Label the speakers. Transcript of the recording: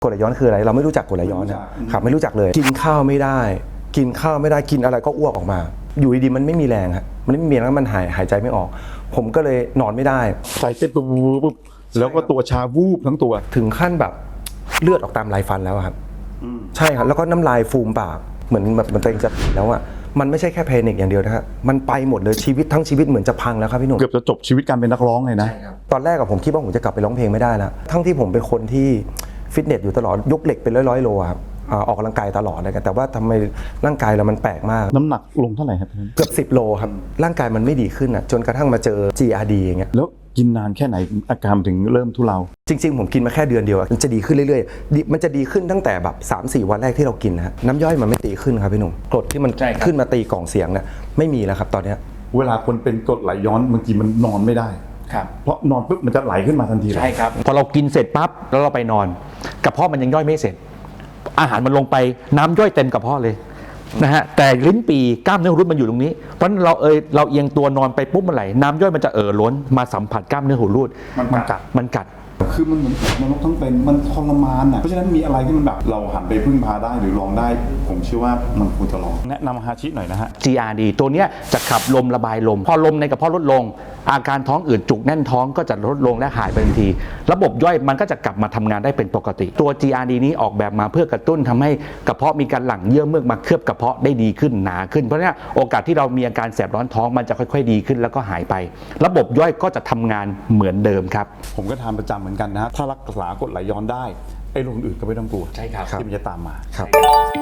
Speaker 1: กรดไหลย้อนคืออะไรเราไม่รู้จักกรดไหลย้อนนะครับไม่รู้จักเลยกินข้าวไม่ได้กินอะไรก็อ้วกออกมาอยู่ดีๆมันไม่มีแรงครับมันไม่มีแรงแล้วมันหายใจไม่ออกผมก็เลยนอนไม่ได้
Speaker 2: ใจเต้นปุ๊บแล้วก็ตัวชาวูบทั้งตัว
Speaker 1: ถึงขั้นแบบเลือดออกตามลายฟันแล้วครับใช่ครับแล้วก็น้ำลายฟูมปากเหมือนแบบมันตัวเองจะแล้วอ่ะมันไม่ใช่แค่เพนิกอย่างเดียวนะฮะมันไปหมดเลยชีวิตทั้งชีวิตเหมือนจะพังแล้วครับพี่หนุ่ม
Speaker 2: เกือบจะจบชีวิตการเป็นนักร้องเลยนะ
Speaker 1: ตอนแรกผมคิดว่าผมจะกลับไปร้องเพลงไม่ได้แล้วทั้งที่ผมเป็นคนที่ฟิตเนสอยู่ตลอดยกเหล็กเป็นร้อยโลครับออกกำลังกายตลอดเลยแต่ว่าทำไมร่างกายเรามันแปลกมาก
Speaker 2: น้ำหนักลงเท่าไหร่ครับ
Speaker 1: เกือบ10 โลครับร่างกายมันไม่ดีขึ้นจนกระทั่งมาเจอ GRD อย่างเงี้ย
Speaker 2: แล้วกินนานแค่ไหนอาการถึงเริ่มทุเลา
Speaker 1: จริงๆผมกินมาแค่เดือนเดียวมันจะดีขึ้นเรื่อยๆมันจะดีขึ้นตั้งแต่แบบ 3-4 วันแรกที่เรากินนะฮะน้ำย่อยมันไม่ตีขึ้นครับพี่หนุ่มกรดที่มันขึ้นมาตีกล่องเสียงเนี่ยไม่มีแล้วครับตอนนี้
Speaker 2: เวลาคนเป็นกรดไหลย้อนบางทีมันนอนไม่ได้เพราะนอนปุ๊บมันจะไหลขึ้นมาทันที
Speaker 3: ใช่ครับพอเรากินเสร็จปั๊บแล้วเราไปนอนกระเพาะมันยังย่อยไม่เสร็จอาหารมันลงไปน้ำย่อยเต็มกระเพาะเลยนะฮะแต่ลิ้นปีกล้ามเนื้อหูรูดมันอยู่ตรงนี้เพราะเราเอียงตัวนอนไปปุ๊บมันไหลน้ำย่อยมันจะล้นมาสัมผัสกล้ามเนื้อหูรูดมันกัด
Speaker 2: คือมันเหมือนนรกทั้งเป็นมันทรมานอ่ะเพราะฉะนั้นมีอะไรที่มันแบบเราหันไปพึ่งพาได้หรือลองได้ผมเชื่อว่ามันควรจะลองแนะนำฮาชิหน่อยนะฮะ
Speaker 3: GRD ตัวเนี้ยจะขับลมระบายลมพอลมในกระเพาะลดลงอาการท้องอืดจุกแน่นท้องก็จะลดลงและหายไปทันทีระบบย่อยมันก็จะกลับมาทำงานได้เป็นปกติตัว GRD นี้ออกแบบมาเพื่อกระตุ้นทำให้กระเพาะมีการหลั่งเยื่อเมือกมาเคลือบกระเพาะได้ดีขึ้นหนาขึ้นเพราะฉะนั้นโอกาสที่เรามีอาการแสบร้อนท้องมันจะค่อยๆดีขึ้นแล้วก็หายไประบบย่อยก็จะทำงานเหมือนเดิมครับ
Speaker 2: ผมก็ทานประจำเหมือนกันนะถ้ารักษากรดไหลย้อนได้ไอ้โรคอื่นก็ไม่ต้องกลัว
Speaker 3: ใช่ครับ
Speaker 2: ที่มันจะตามมา
Speaker 1: ครับ